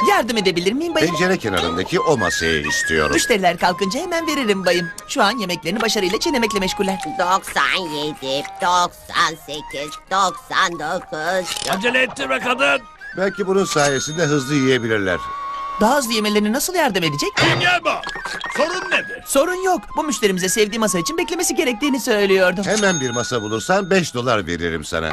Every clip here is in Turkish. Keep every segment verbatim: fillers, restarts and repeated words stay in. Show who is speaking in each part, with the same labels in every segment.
Speaker 1: Yardım edebilir miyim bayım?
Speaker 2: Pencere kenarındaki o masayı istiyorum.
Speaker 1: Müşteriler kalkınca hemen veririm bayım. Şu an yemeklerini başarıyla çiğnemekle meşguller.
Speaker 3: doksan yedi, doksan sekiz, doksan dokuz.
Speaker 4: Acele ettirme kadın.
Speaker 2: Belki bunun sayesinde hızlı yiyebilirler.
Speaker 1: Daha hızlı yemelerine nasıl yardım edecek?
Speaker 4: Gel bu. Sorun nedir?
Speaker 1: Sorun yok. Bu müşterimize sevdiği masa için beklemesi gerektiğini söylüyordum.
Speaker 2: Hemen bir masa bulursan beş dolar veririm sana.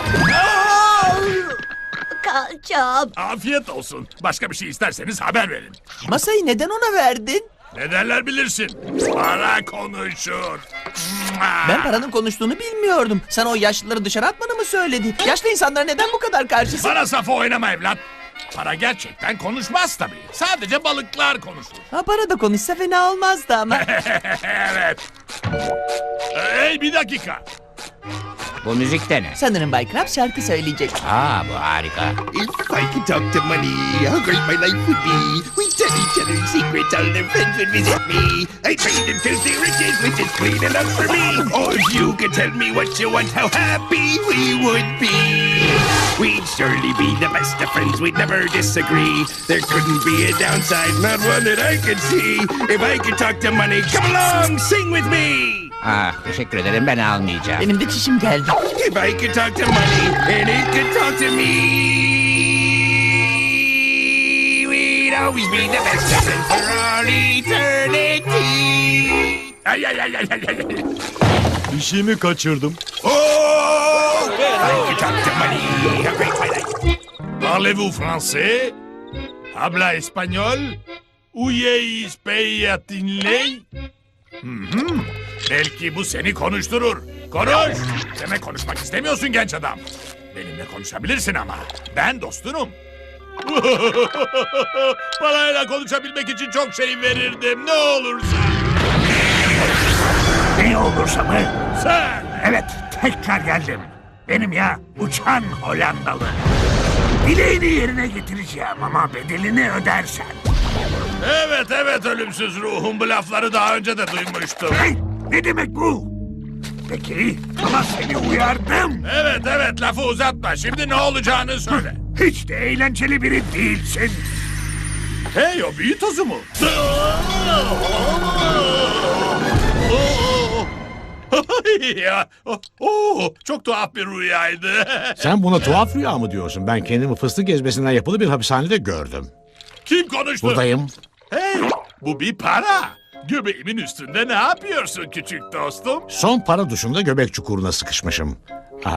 Speaker 3: Kalçam.
Speaker 4: Afiyet olsun. Başka bir şey isterseniz haber verin.
Speaker 1: Masayı neden ona verdin?
Speaker 4: Ne derler bilirsin. Para konuşur.
Speaker 1: Ben paranın konuştuğunu bilmiyordum. Sana o yaşlıları dışarı atmanı mı söyledi? Yaşlı insanlara neden bu kadar karşısın?
Speaker 4: Para safı oynama evlat. Para gerçekten konuşmaz tabii. Sadece balıklar konuşur.
Speaker 1: Ha, para da konuşsa fena olmazdı ama.
Speaker 4: Evet. Hey bir dakika.
Speaker 5: Bu müzik de ne?
Speaker 1: Sanırım Bay Krabs şarkı söyleyecek.
Speaker 5: Aa, bu harika.
Speaker 6: If I could talk to money, how great my life would be. We tell each other secrets, all their friends would visit me. I trade in filthy riches, which is clean enough for me. Or if you could tell me what you want, how happy we would be. We'd surely be the best of friends, we'd never disagree. There couldn't be a downside, not one that I could see. If I could talk to money, come along, sing with me.
Speaker 5: Ah, teşekkür ederim, ben almayacağım.
Speaker 1: Benim de çişim geldi.
Speaker 6: If I could talk to money, and it could talk to me, we'd always be the best of friends for all eternity.
Speaker 4: Ay ay ay ay ay ay.
Speaker 7: Bir şey mi kaçırdım?
Speaker 6: Oh, if I could talk to money, how great my life.
Speaker 4: Parlez-vous français? Habla espagnol? Uyey ispeyatinley? Hı hı. Belki bu seni konuşturur. Konuş. Demek konuşmak istemiyorsun genç adam. Benimle konuşabilirsin ama. Ben dostunum. Parayla konuşabilmek için çok şey verirdim. Ne olursa.
Speaker 8: Ne olursa mı?
Speaker 4: Sen.
Speaker 8: Evet, tekrar geldim. Benim ya, uçan Hollandalı. Dileğini yerine getireceğim ama bedelini ödersen.
Speaker 4: Evet evet ölümsüz ruhum. Bu lafları daha önce de duymuştum.
Speaker 8: Hey, ne demek bu? Peki, ama seni uyardım.
Speaker 4: Evet evet lafı uzatma. Şimdi ne olacağını söyle.
Speaker 8: Hiç de eğlenceli biri değilsin.
Speaker 4: Hey o büyü tozu mu? Ya, oh, oh, çok tuhaf bir rüyaydı.
Speaker 7: Sen buna tuhaf rüya mı diyorsun? Ben kendimi fıstık ezmesinden yapılı bir hapishanede gördüm.
Speaker 4: Kim konuştu?
Speaker 7: Buradayım.
Speaker 4: Hey, bu bir para. Göbeğimin üstünde ne yapıyorsun küçük dostum?
Speaker 7: Son para duşunda göbek çukuruna sıkışmışım.